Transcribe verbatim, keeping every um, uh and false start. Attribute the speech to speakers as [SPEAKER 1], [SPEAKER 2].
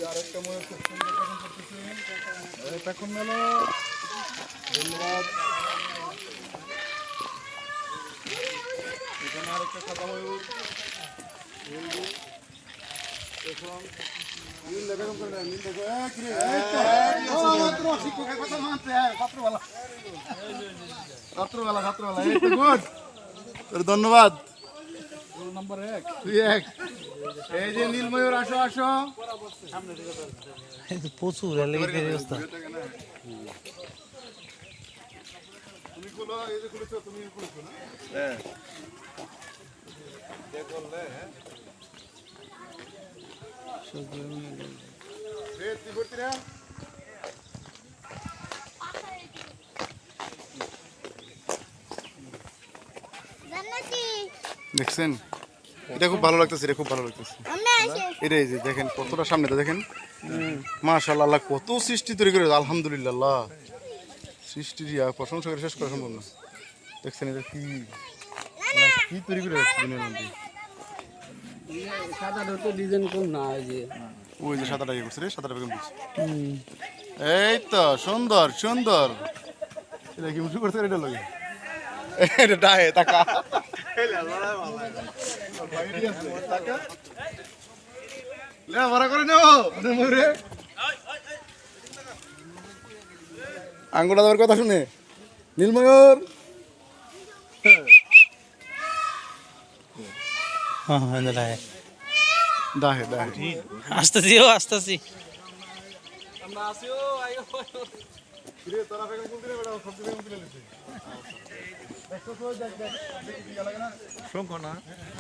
[SPEAKER 1] আরেকটা ময়ূর খুব সুন্দর পেখম করতেছে। এই পেখম গেল। ধন্যবাদ। এখানে আরেকটা সাদা ময়ূর। পেখম নীল পেখম করে না, নীল দেখো এক রে ও মাত্র শিক্ষকের কথা মানতে হ্যাঁ ছাত্রবেলা ছাত্রবেলা ছাত্রবেলা এই তো গুড তোর ধন্যবাদ নাম্বার এক তুই এক এই যে নীল ময়ূর আসো আসো
[SPEAKER 2] এই তো প্রচুর লেগে অবস্থা।
[SPEAKER 1] তুমি খুলো এই যে খুলেছো তুমি খুলেছো না হ্যাঁ কে করলে হ্যাঁ রে তুই করতি না
[SPEAKER 3] জান্নাতি
[SPEAKER 1] দেখছেন এটা খুব ভালো লাগতেছে এটা খুব ভালো লাগতেছে
[SPEAKER 3] আমরা আসে
[SPEAKER 1] এটা এই যে দেখেন কতটা সামনে তো দেখেন মাশাআল্লাহ আল্লাহ কত সৃষ্টি তৈরি করে আলহামদুলিল্লাহ আল্লাহ সৃষ্টি প্রশংসা করে শেষ করা সম্ভব না দেখছেন এটা কি আল্লাহ কি তৈরি করে রাখছে দুনিয়ার মধ্যে
[SPEAKER 2] সাদাটা তো ডিজাইন কম না ওই যে
[SPEAKER 1] ওই যে সাদাটা ইয়ে করছে রে সাদাটা বেগম দিচ্ছে এই তো সুন্দর সুন্দর এটা কি মুশু করছে এটা লাগে এটা ডায়ে টাকা লে ভরা করে নেও ময়ূরে আঙ্গুটা দেওয়ার কথা শুনে নীলময়ূর
[SPEAKER 2] হ্যাঁ হ্যাঁ দাঁড়ায়
[SPEAKER 1] দাহে দাহে
[SPEAKER 2] আসতেছি ও আসতেছি।
[SPEAKER 1] আমরা আসিও আইও রে তোরা বেগম কোন দিনে বেটা সবজি বেগম কিনে লিছি দেখছো তো দেখ দেখ দেখি কি লাগে না শোন না